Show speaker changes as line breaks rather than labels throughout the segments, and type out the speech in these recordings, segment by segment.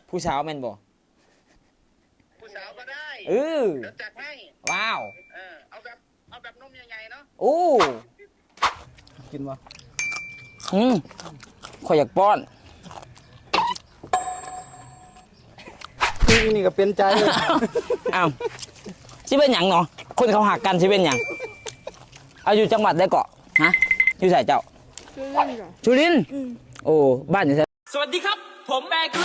ผู้สาวแม่นบ่
ผู้สาวก็ได้
เดี๋
ยวจัดให้
ว้าว
เอาแบบนมใหญ่ๆเนาะ
โอ้
กินวะ
ข่อยอยากป้อน
นี่ก็เป็นใจ
อ้าวสิเป็นหยังเนาะคนเขาหักกันสิเป็นหยังเอาอยู่จังหวัดได้เกาะฮะอยู่ไสเจ้าสุรินทร์โอ้บ้านอยู่ไสสวัสดีครับผมแบก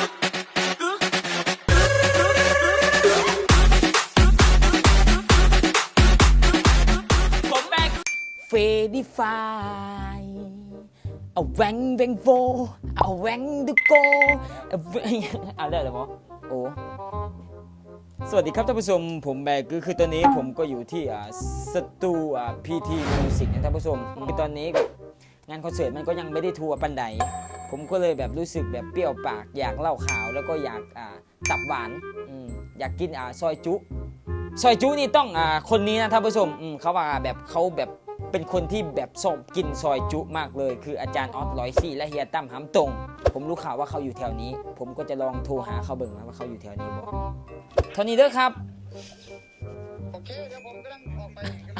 เฟดิฟายเอาแหวงโฟเอาแหวงดูโกเอาได้หรอหมอโอ้สวัสดีครับท่านผู้ชมผมแบกคือตอนนี้ผมก็อยู่ที่สตูพีทีมิวสิกนะท่านผู้ชมคือตอนนี้งานคอนเสิร์ตมันก็ยังไม่ได้ทัวร์ปันใดผมก็เลยแบบรู้สึกแบบเปรี้ยวปากอยากเล่าข่าวแล้วก็อยากตับหวานอยากกินซอยจุนี่ต้องคนนี้นะท่านผู้ชมเขาว่าแบบเขาแบบเป็นคนที่แบบชอบกินซอยจุมากเลยคืออาจารย์ออสร้อยซี่และเฮียตั้มหำตรงผมรู้ข่าวว่าเขาอยู่แถวนี้ผมก็จะลองโทรหาเขาเบิ่งนะว่าเขาอยู่แถวนี้บ่เท่านี้เด้อครับ
โอเคเดี๋ยวผมกำลังออกไป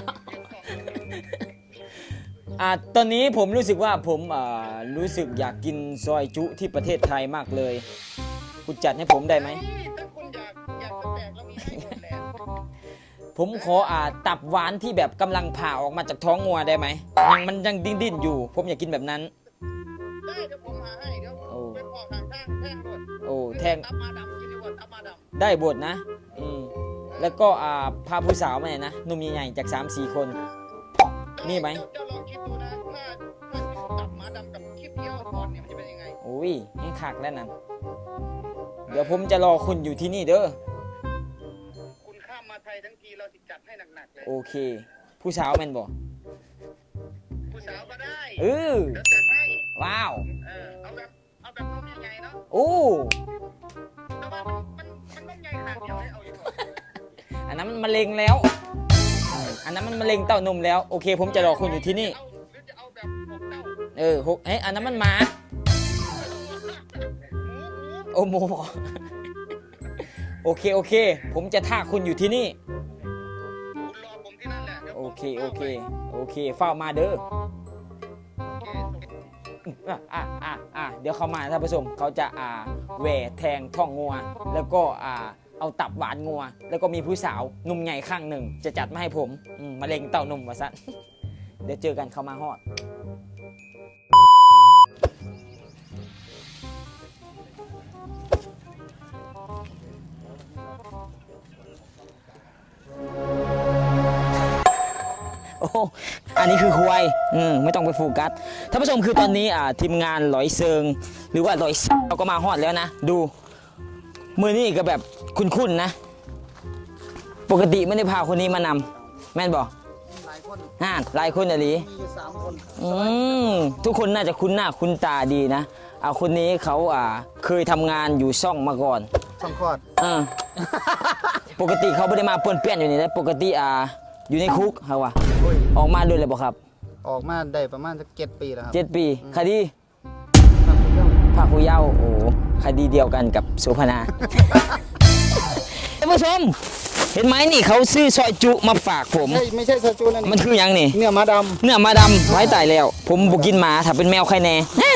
ตอนนี้ผมรู้สึกว่าผมรู้สึกอยากกินซอยจุที่ประเทศไทยมากเลยคุณจัดให้ผมได้ไหม
ถ้าคุณอยากจะแตกเรามีให้หมดแหละ
ผมขอตับหวานที่แบบกำลังผ่าออกมาจากท้องงัวได้ไหมมันยังดิ้นอยู่ผมอยากกินแบบนั้น
ได้เดี๋ยวผมหาให้เดี๋ยวไปพอทางแท่งบด
โอ้แทง
ตับมาดำกินดีกว่าตับมาดำ
ได้บดนะแล้วก็พาผู้สาวมาเนี่ยนะนุ่มใหญ่ๆจาก 3-4 คนนี่ไหม
จะลองคิดดูนะถ้าตับมาดำกับคลิปเที่ยวก่อนเนี่ยมันจะเป็นยังไง
โอ้ยให้คักแล้วนั่นเดี๋ยวผมจะรอคุณอยู่ที่นี่เด้อ
คุณข้ามมาไทยทั้งทีเราจะจัดให้หนักๆเลย
โอเคผู้สาวแม่นบ่
ผู้สาวก็ได้
เ
ดี๋ยวจัดให้
ว้าว
เอาแบบนมใหญ่ๆเนาะ
โอ้
แต่ว่ามันนมใหญ่ขนาดเดียวให้เอาอยู่
อันนั้นมันมะเร็งแล้วอันนั้นมันมะเร็งเต้านมแล้วโอเคผมจะรอคุณอยู่ที่นี่
จะเอาแบบ6 เต้า
อันนั้นมันหมาโอ้โมโอเคผมจะท่าคุณอยู่ที่นี่
คุณรอผมที่นั่นแหละ
โอเคเฝ้ามาเด้อเดี๋ยวเขามาท่านผู้ชมเขาจะแหวแทงท้องงัวแล้วก็เอาตับหวานงัวแล้วก็มีผู้สาวนุ่มใหญ่ข้างหนึ่งจะจัดมาให้ผมมะเร็งเต้านมวะซะเดี๋ยวเจอกันเขามาฮอดโอ้อันนี้คือควายไม่ต้องไปโฟกัสท่านผู้ชมคือตอนนี้ทีมงานลอยเซิงหรือว่าลอยเราก็มาฮอดแล้วนะดูมือนี่ก็แบบคุ้นๆนะปกติไม่ได้พาคนนี้มานำแม่นบอก
หลายคน
หลายคนอะไร
มีอยู่3 คน
ทุกคนน่าจะคุ้นหน้าคุ้นตาดีนะคนนี้เขาเคยทำงานอยู่ช่องมาก่อน
ช่องคลอด
ปกติเขาไม่ได้มาเปื้อนอยู่นี่นะปกติอยู่ในคุกเขาว่ะออกมาด้วยเลยบอกครับ
ออกมาได้ประมาณสัก7 ปีแล้วครับ
7 ปีคดีภาคผู้เยาว์โอ้คดีเดียวกันกับโสภณาท่านผู้ชมเห็นไหมนี่เขาซื้อซอยจุมาฝากผม
ไม่ใช่ซอยจุนั่น
มันคือยังนี่
เนื้อมาด
ำไว้ตายแล้วผมบุกินหมาถ้าเป็นแมวใครแน่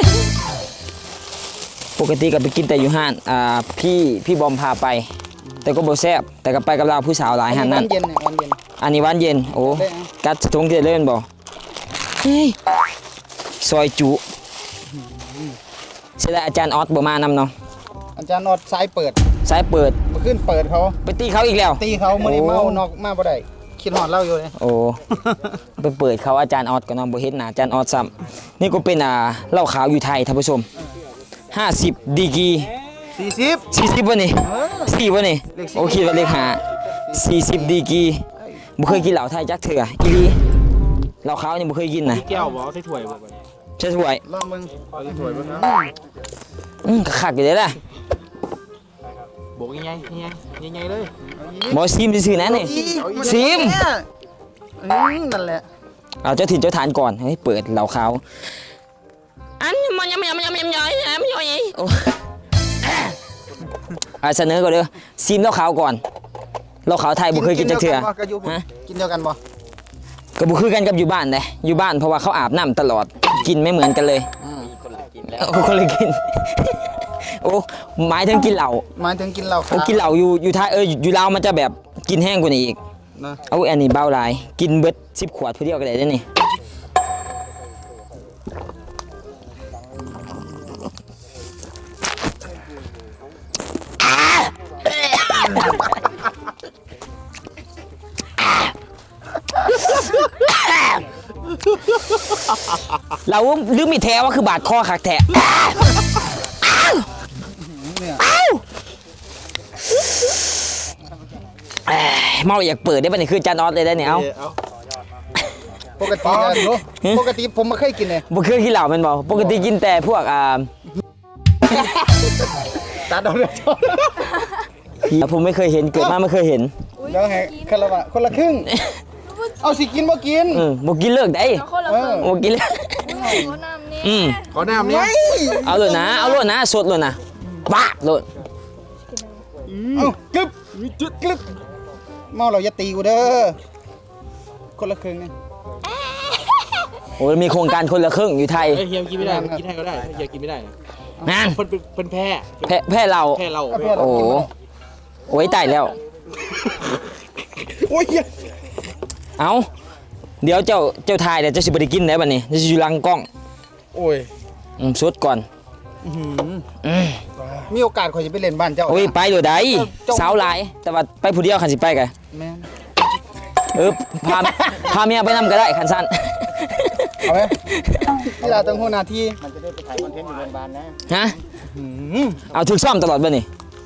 ปกติก็ไปกินแต่อยู่ห้านพี่บอมพาไปแต่ก็บ่แซ่บแต่ก็ไปกับเราผู้สาวหลายห้านนั่นอันนี้วันเย็นโอ้กัดทงเดือดเล่นบ่ซอยจุเสียดายอาจารย์ออสบ่มานำเนาะ
อาจารย์ออสสายเปิดมาขึ้นเปิดเขา
ไปตีเขาอีกแล้ว
ตีเขามื้อนี้เมานอกมาบ่ได้คิดฮอดเล่าอยู่เลย
โอ้ไปเปิดเขาอาจารย์ออสก็นำบ่เห็นหน้าอาจารย์ออสซ้ำนี่ก็เป็นเหล้าขาวอยู่ไทยท่านผู้ชม50 ดีกรี40บ่นี่4บ่นี่โอเคว่าเลข5 40 ดีกรีบ่เคยกินเหล้าไทยจักเทื่ออีหลีเหล้าขาวนี่บ่เคยกินนะ
แก้วบ่เอาใส่ถ้วยบ่
ใช่ถ้วย
ลองมึง
เอาใส่ถ้วยบ่ครับ
คักอยู่เด้ล่ะ
โบกใหญ่เลย
บ่ซิมซื่อๆนะนี่ซิม
นั่นแหละ
เอาเจ้าถิ่นเจ้าฐานก่อนให้เปิดเหล้าขาวอันมันยำโอ้เสนอก่อนเด้อซิมเหล้าขาวก่อนเหล้าขาวไทยบ่เคยกินจักเทื่อ
กินเดียวกันบ่
ก็บ่คือกันกับอยู่บ้านเด้อยู่บ้านเพราะว่าเขาอาบน้ำตลอดกินไม่เหมือนกันเลยคนละกินแล้วคนละกินโอ้หมายถึงกินเหล้า
หมายถึงกินเหล้า
โอ้กินเหล้าอยู่ไทยอยู่ลาวมันจะแบบกินแห้งกว่านี้อีก
นะ
เอาอันนี้เบาหลายกินเบิด10 ขวดผู้เดียวก็ได้เด้อนี่เราลืมมีแท้ว่าคือบาดคอคักแท้
เนี่ย
เมาอยากเปิดได้ป่ะนี่คือจานออสเลยได้เนี่ยเอา
ปกติปกติผมไม่เคยกินเลย
บ่เคยกินเหล้าแมันบ่ปกติกินแต่พวก
ตัดเอาเลย
ผมไม่เคยเห็นเกิดมาไม่เคยเห็น
แล้วไงคนละครึ่งเอาสิกินบ่กิน
บ่กินเลิกได้
เอาคนละครึ่ง
บ่กินเลิก
หัวน้ำนี่
ขอน้ำเนี่ย
เอาโลดนะเอาโลดนะสดโลดนะบ้าโลด
เอากึบกึบเมาเราอย่าตีกูเด้อคนละครึ่งนี่
โอ้ยมีโครงการคนละครึ่งอยู่ไทย
เฮ้ยเฮียกินไม่ได้กินให้ก็ได้เฮียกินไม่ได้
นั่น
เป็นแพ้
แพ้เรา
แพ้เรา
โอ้โอ้ยตายแล้ว
โอ้ย
เอาเดี๋ยวเจ้าทายเดี๋ยวเจ้าสิบ่ได้กินได้บัดนี้เจ้าสิอยู่หลังกล้อง
โอ้ย
สดก่อน
มีโอกาสข่อยจะไปเล่นบ้านเจ้า
โอ้ยไปโดดได้สาวหลายแต่ว่าไปผู้เดียวคันสิไปกัน
แม่น
พาเมียไปนำก็ได้คันสั้น
เอาไหมเวลาต้องหัวหน้าที่มันจะได้ไปถ่ายคอนเทนต์อยู่โรงพยาบาลนะ
ฮะเอาถึกซ่อมตลอดบ่นี่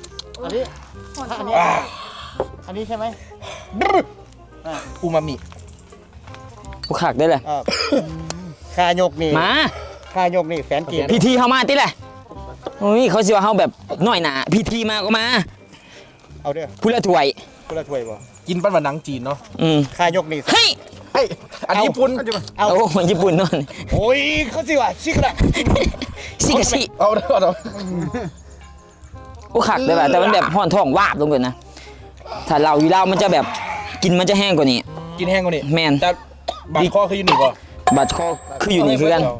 อันนี้ใช่ไหม
อูมามิ
ผู้ขักได้เลย
คายกนี่
มา
คายกนี่แฟนเกียรติ
พิธีเข้ามาติแหละโอ้ยเขาสิว่าเฮาแบบน้อยหนาพิธีมาก็มา
เอาเด้อ
ผู้ละถ้วย
คนละถ้วยบ่
กินปั้นวันหนังจีนเนาะ
คายกนี่
เฮ้ย
เฮ้ย
อันญี่ปุ่น
เอา
โอ้ญี่ปุ่นนอน
โอ้ยเขาสิว่าชิกละ
สิกะสิ
เอาเด้อเอา
โอ้ขักได้ป่ะแต่มันแบบห่อนท้องวาบลงเลยนะถ้าเราอยู่เรามันจะแบบกินมันจะแห้งกว่านี้
กินแห้งกว่านี้
แมน
แต่บางข้อคืออยู่หนึ่งป่ะ
บัดคอคืออยู่นี่คือกัน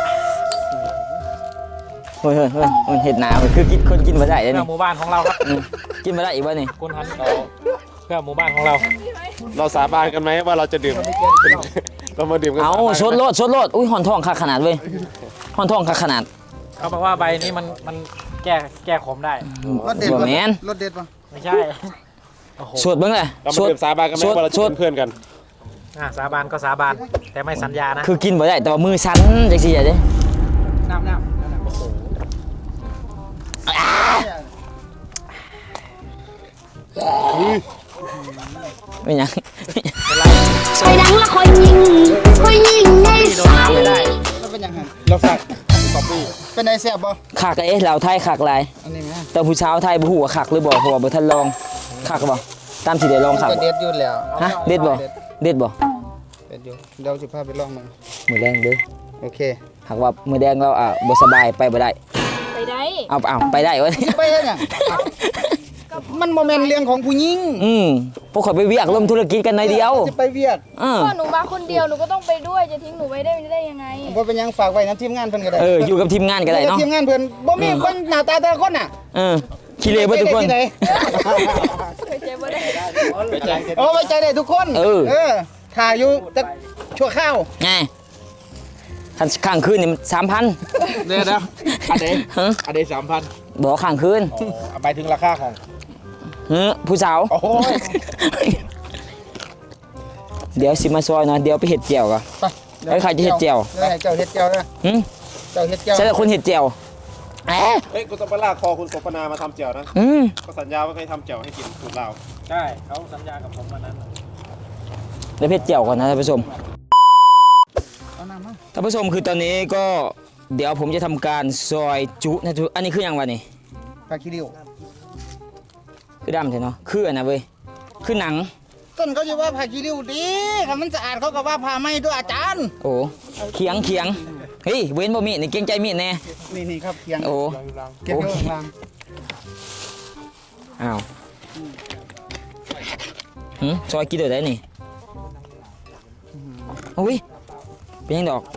เฮ้ยเห็ดหนาคือกินคนกินมาได้เลย
เพื่อ
นี่
หมู่บ้านของเราครับ
กินมาได้อีกวะนี่
คุณทันเราเพื่อหมู่บ้านของเรา
เราสาบานกันไหมว่าเราจะดื่ม เรามาดื่มกัน
เอา
สบน
ชดโลดอุ้ยห่อนท้องคักขนาดเว้ยห่อนท้องคักขนาด
เขาบอกว่าใบนี้มันแก้ขมได้
รถเด็ด
บ่
ป่ะ
แมน
รถเด็ดป่ะ
ไม่ใช่โอ้โห
สวดเบิ่งเลย
เรามาดื่มสาบานกันไหมว่าเราจะเป็นเพื่อนกัน
สาบานก็สาบานแต่ไม่สัญญานะ
คือกินบ่ได้แต่ว่ามือสั่นจังซี่เด้
น้ำโอ้โห
เป็นหยัง
ไปดังละคอยยิงในสาย
แล้วเป็นยังไงเราสั่งเป็นไงแซ่บบ่
คักเอ๊ะเราไทยคักหลาย
อันนี้แม่
แต่ผู้สาวไทยบ่ฮู้ว่าคักหรือบ่เพราะว่าบ่ทันลองคักบ่ตามที่ได้ลองคัก
ก็
บ่
เด็ดอยู่แล้ว
ฮะเด็ดบ่เด็ดบ่
เด็ดอยู่เดี๋ยวสิพาไปลองมึง
มื้อแรงเด้อ
โอเค
หากว่ามื้อแดงเราบ่สบายไปบ่ได้
ไปได้
เอาไปได้วะ
ไปเฮ็ดหยังมันบ่แม่นเรื่องของผู้หญิง
พวกข่อยไปเวียกร่วมธุรกิจกันหน่อยเดียว
จะไปเวียด
พ่อหนูมาคนเดียวหนูก็ต้องไปด้วยจะทิ้งหนูไว้ได้ยังไง
บ่เป็นหยังฝากไว้นํทีมงานเพิ่นก็ได้
อยู่กับทีมงานก็ได้เนาะ
ทีมงานเพิ่นบ่มีคนหน้าตาแต่ละคนน่ะ
ขี้เหร่เบิดทุกคน
ที่ไห
เคยเจ็บบ่ได้
โอ้ไว้ใจได้ทุกคน
เออ
ถ่ายอยู่แต่ชั่วข้าว
ไงข้างคืนนี่มัน 3,000
เนี่ยนะอันเด3,000
บอกข้างคืน
ไปถึงราคาของ
ผู้สาว
โอ้ย
เดี๋ยวสิมาซอยเนาะเดี๋ยวไปเห็ดเจียวก่อน
ไป
ไอ้ใครจะเฮ็ดแจ่ว
เจ้าเฮ็ดแจ่วนะ
หึ
เจ้าเฮ็ดแจ่ว
ใช่แต่คนเห็ดเจียวแอะ
เฮ้ยคุณต้องไปลากคอคุณโสพนามาทำเจียวนะ
อืม
ก็สัญญาว่าเคยทำเจียวให้กินสูตรเรา
ใช่เขาสัญญากับผมวันนั้น
เดี๋ยวเห็ดเจียวก่อนนะท่านผู้ชม
เอาน้ำมา
ท่านผู้ชมคือตอนนี้ก็เดี๋ยวผมจะทำการซอยจุนะทุกอันนี้คืออย่างวะนี่
ปลาขี้ริ้ว
คือดำใช่เนาะคืออันนะเว้ยคือหนัง
ต้นเขาจะว่าผ้าขี้ริ้วดีถ้ามันสะอาดเขาก็ว่าผ้าไหมด้วยอาจารย์
โอ้เขียงเฮ้ยเว้นบ่มีนี่เกรงใจมีดแน่
นี่ครับเคียง
โอ้
เก็บไว้ข้างล่าง
อ้าวซอยกินเดี๋ยวได้นี่โอ้ยเป็นยังดอก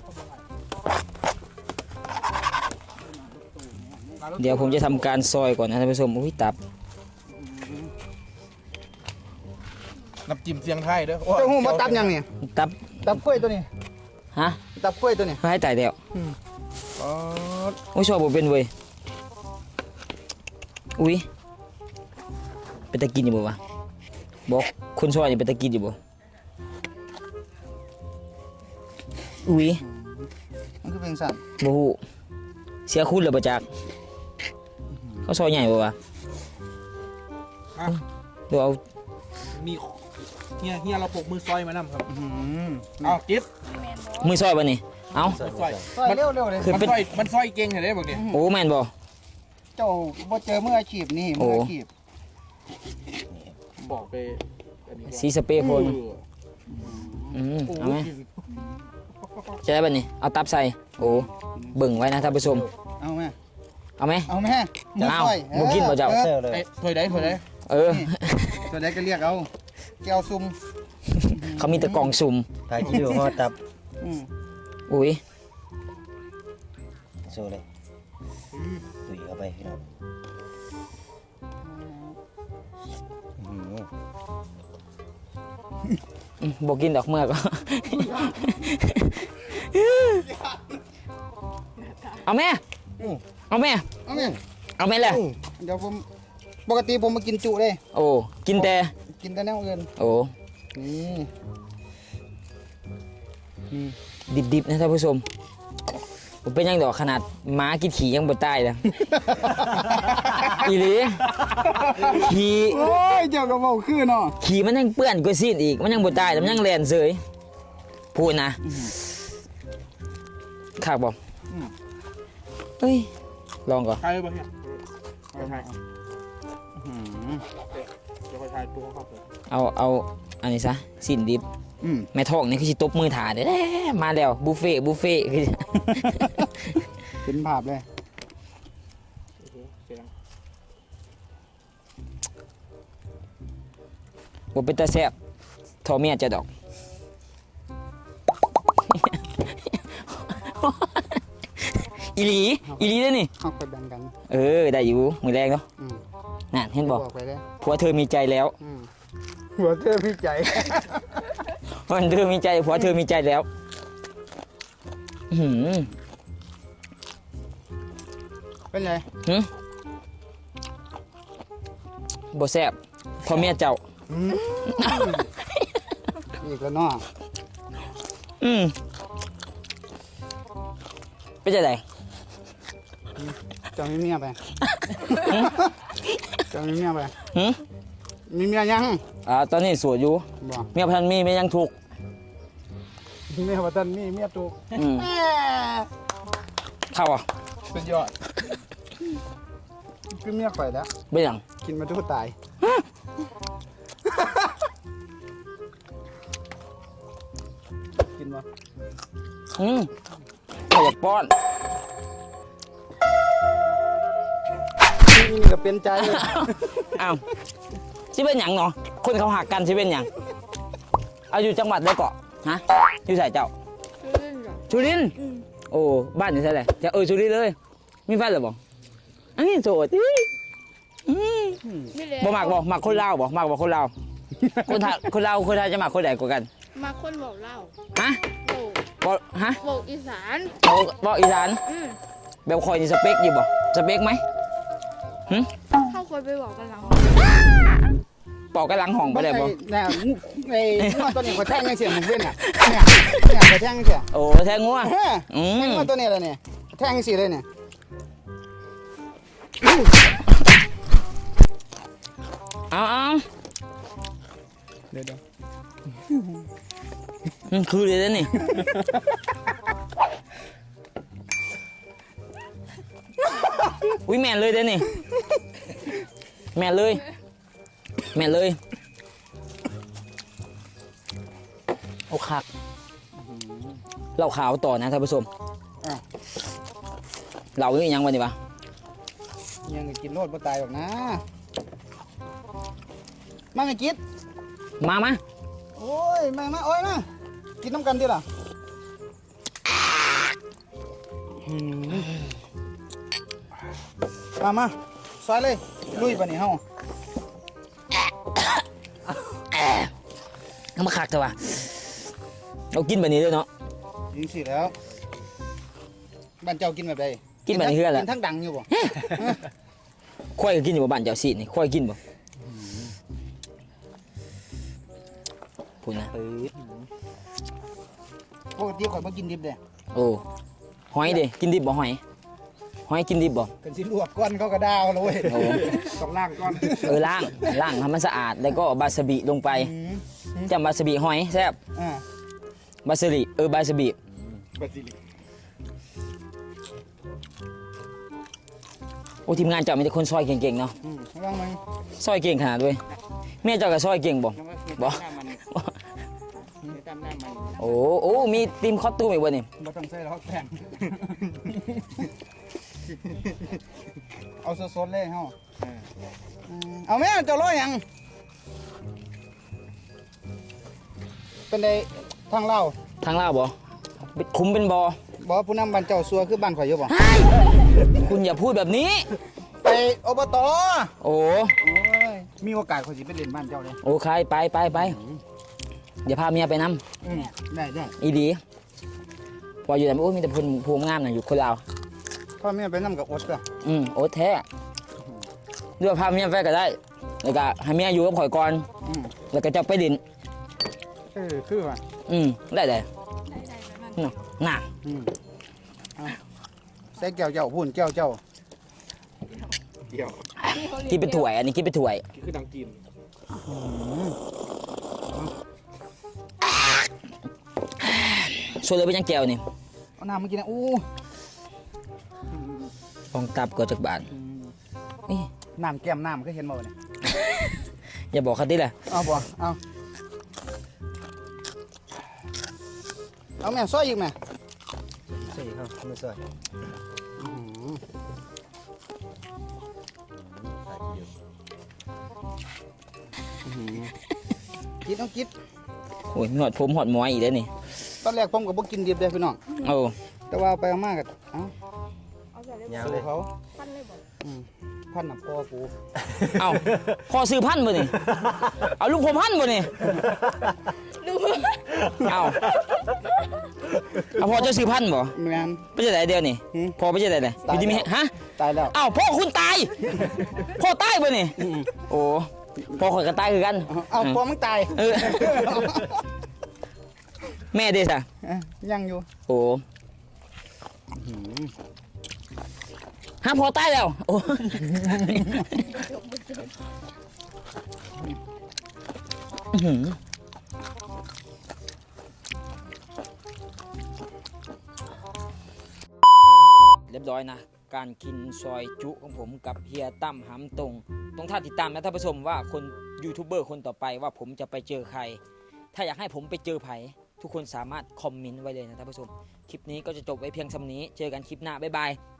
เดี๋ยวผมจะทำการซอยก่อนนะท่านผู้ชมอุ้ยตับ
น้ำจิ้มเสียงไทยเด้อ
เจ้าหูมาตับยังเนี่ย
ตับ
ตับกล้วยตัวนี้
ฮะ
ตับกล้วยตัวนี้
ให้ตายเดียว
อ๋อ
โอ้ยชอบบ่เป็นเว้ยอุ้ยเป็นตะกินอยู่บ่วะบอกคนซอยนี่เป็นตะกินอยู่บ่อุ้ย
มันคือเป็นสัตว์
บ่ฮู้เสียคุณเลยบ่จักเขาซอยใหญ่บ่วะเดี๋ยวเอา
มีเฮียเราปกมือซอยมานำครับ
อื้อหือ
เอากิฟ
มือซอยบ่นี่เอ้า
ซอย
ซอยเร็วๆเลย
คือ
มัน
เป็น
มันซอยเก่งเห็นได้บอกเนี่ย
โอ้แม่นบ่
เจ้าบ่เจอมืออาชีพนี่มืออาชีพ
บอกไปอันนี้
สีสเปรย์พ่นเอาไหมจะได้บ่นี่เอาตับใส่โอ้เบิ่งไว้นะท่านผู้ชม
เอาแม่
เอาไหม
เอาแม่มือ
อ้าว
ซอย
บ่กินบ่เจ้า
ออ
ไอ้ถอยได้ถอยได้
เออ
ตัวใดก็เรียกเอาแก้วซุ่ม
เขามีแต่กล่องสุ่ม
ถ่ายคิวห่อตับ
อืม
อุ้ย
โชว์เลยตุ๋ยเข้าไปพี่น้องอื้อหือ
บอกกินดอกเมือก เอาแม่เอาแม่
เอาแม่
เอาแม่เลย
เดี๋ยวผมปกติผมมากินจุเลย
โอ้กินแต่
กินแต่แนวอื่น
โอ้
นี่
ดิบๆนะท่านผู้ชมผมเป็นยังดอกขนาดม้ากินขี่ยังบ่ตายเลย อีหลีขี่
โอ้ยเจ้าก็เว้าคือเนาะ
ขี่มันยังเปื้อนกว่าซีนอีกมันยังบ่ตายแต่มันยังแลนเสยพูดนะขากบอกเฮ้ยลองก่อน
ถ่ายไปเนี่ยถ่ายเดี๋ยวค่อยถ่ายตัวเขาเปิด
เอาอันนี้ซะสินดิบ
อืม
แม่ทองนี่คือสิตบมือถ่าเด้อมาแล้วบุฟเฟ่ต์คือ
เป็นภาพเลย
เสียง
บ่เป็นตาแซ่บทอเมียจะดอก อีหลีเด้อนี่
เอาไปแบ่งกัน
เออได้อยู่มือแรงเนาะ
อืม
นั่นเห็นบ่
ไปเลย
ผัวเธอมีใจแล้ว
อืมหัวเธอพี่ใจ
มันเธอมีใจผัวเธอมีใจแล้วอื้อหือ
เป็นไง
บ่แซ่บทอเมียเจ้า
อีกแล้วเนาะ
เป็นจังได๋
จะมีเมียไปจะมีเมียไป
หึ
มีเมียยัง
ตอนนี้โสวดอยู่
บ่
เมียพันมีเมียยังถูกข์
เมียว่าท่านมีเมียถูก
เข้าอ่ะ
สุดยอด
คือเมียข่อยแล้ว
เป็นหยัง
กินมาทุกตายกินบ่
เขาอยากป้อน
นี่ก็เป็นใจเลย
อ้าวสิเป็นหยังเนาะคนเขาหักกันสิเป็นหยังเอาอยู่จังหวัดได้เกาะฮะอยู่ไสเจ้าสุรินทร์โอ้บ้านอยู่ไสแหละจะสุรินทร์เลยมีแฟนหรือบ่อันนี้โสดบ่มักบ่มักคนลาวบ่มักบ่คนลาวคนลาวคนไทยจะมักคนใดกว่ากัน
มาคนบอกเล่า
ฮะ
โบก
บ่ฮะ
โบกอีสาน
บ่อีสาน
อืม
แบบคอยนี่สเปคอยู่บ่สเปคไหม
เข้าคนไปบอกกันหลัง
ปอกกระหลังห้องไปได้บ่
เนี่ยไอ้งัวตัวนี้ข่อยแทงยังเสียมึงเว้นอ่ะเนี่ยข่อยแทงยังเสีย
โอ้แทงงัว
เฮ้ย
อืม
แทงงัวตัวนี้เลยเนี่ยแทงยังสิเลยเนี่ย
เอา
เดี๋ยว
คือเลยนะนี่ อุ้ยแม่นเลยเด้อนี่ แม่นเลย แม่นเลย โอ้คักเราขาวต่อนะท่านผู้ชมเรานี่ยังวันนี้ปะ
ยังกินโลดบ่ตายหรอกนะมาไงกิด
มา
โอ้ยมาอ้อยมากินน้ำกันดิล่ะมาซอยเลยลุยปะนี่เฮา
เอามาคักเถอะวะเรากินแบบนี้ด้วยเนาะ
ยิงสิแล้วบ้านเจ้ากินแบบใด
กินแบบนี้คืออะไร
กินทั้งดังอยู่บ่
ควายก็กินอยู่บ่บ้านเจ้าสินี่ควายกินบ่พูดนะ
ปกติข่อยบ่กินดิบเด้
โอ้หอยดิกินดิบบ่หอยกินดิบบ่
กันสิลวกก้อนเขาก็ดาวเลย
โอ้
ต้องล้างก้อน
ล้างให้มันสะอาดแล้วก็บาสบิลงไปจำบาสบิหอยแซ่บ
อ่า
บาสบิบาสบิ
บาซิลิก
โอ้ทีมงานเจ้ามีแต่คนซอยเก่งๆเนาะ
ลองมึง
ซอยเก่งขนาดด้วยแม่เจ้าก็ซอยเก่งบ่บ่ โอ้มีทีมคอสตูมอีกบ่นี่
บ่ต้องใส่หรอกแป้งเอาสดๆเลยเฮาเอาแม่เจ้าร้อยหยังเป็นไดทางเล่า
ทางลาวบ่คุมเป็นบ่
บ่ผู้นำบ้านเจ้าซัวคือบ้านข่อยอยู่บ่
คุณอย่าพูดแบบนี้
ไปอบต
โอ้
โอ้ยมีโอกาสข่อยสิไปเล่นบ้านเจ้าเลย
โอเคไปเดี๋ยวพาเมียไปนำ
ได้
อีดีพออยู่แต่โอ้มีแต่ภูมิงามน่ะอยู่คนลาว
พ่อแม่ไปนำกับอดก็
โอ้แท้เรือพาเมียไปก็ได้แล้วก็ให้เมียอยู่กับข่อยก่อนแล้วก็จะไปดิน
คือว่า
ได้
ได้ไปมัน
น่ะ
ใส่แก้วเจ้าพูนแก้วเจ้า
กินเป็นถ้วยอันนี้กินเป็นถ้วย
คือดังกิน
ส่วนเลยเป็นยังแก้วนี่
เอาน้ำมากินนะอู้
ลองตับก่อนจากบ้านนี่
น้ำแก้มน้ำก็เห็นบ่เนี่ย
อย่าบอกเขาดิแหละ
เอาบ่เอาแม่ซอยอีกแม่
ใส่ครับไม่ใส่
กินเอากิน
โอ้ยมีหอดผมหอดหมอยอีกแล้วนี่
ตอนแรกผมก็บ่กินดิบเด้อพี่น้อง
โอ้
แต่ว่าไปเอามาก็เอ้า
เอาใส่เลย
ยาว
สู้
เลย
เขา
ปั้นเลยบอก
พันน่ะพ่อกู
เอ้าพ่อซื้อพันธุ์บ่นี่เอาลูกผมพันธุ์บ่นี่
ดู
เอ้าเอาพ่อเจะซื้อพันธุ์บ่
แม่น
ไปจะไหนเดียวนี่พ่อไปจะไหนเลยอยู่ที่มีฮะ
ตายแล้ว
เอ้าพ่อคุณตายพ่อตายบ่นี่โอ้พ่อข่อยก็ตายคือกัน
เอาพ่อมึงตาย
เออ แม่เด้ซะ
ยังอยู่
โอ้ฮะพอตายแล้วโอ้อื้อหือเรียบร้อยนะ การกินซอยจุของผมกับเฮียตั้มหำตรงต้องท่าติดตามนะท่านผู้ชมว่าคนยูทูบเบอร์คนต่อไปว่าผมจะไปเจอใคร ถ้าอยากให้ผมไปเจอไผทุกคนสามารถคอมเมนต์ไว้เลยนะท่านผู้ชม คลิปนี้ก็จะจบไว้เพียงสำนี้ เจอกันคลิปหน้า บ๊ายบาย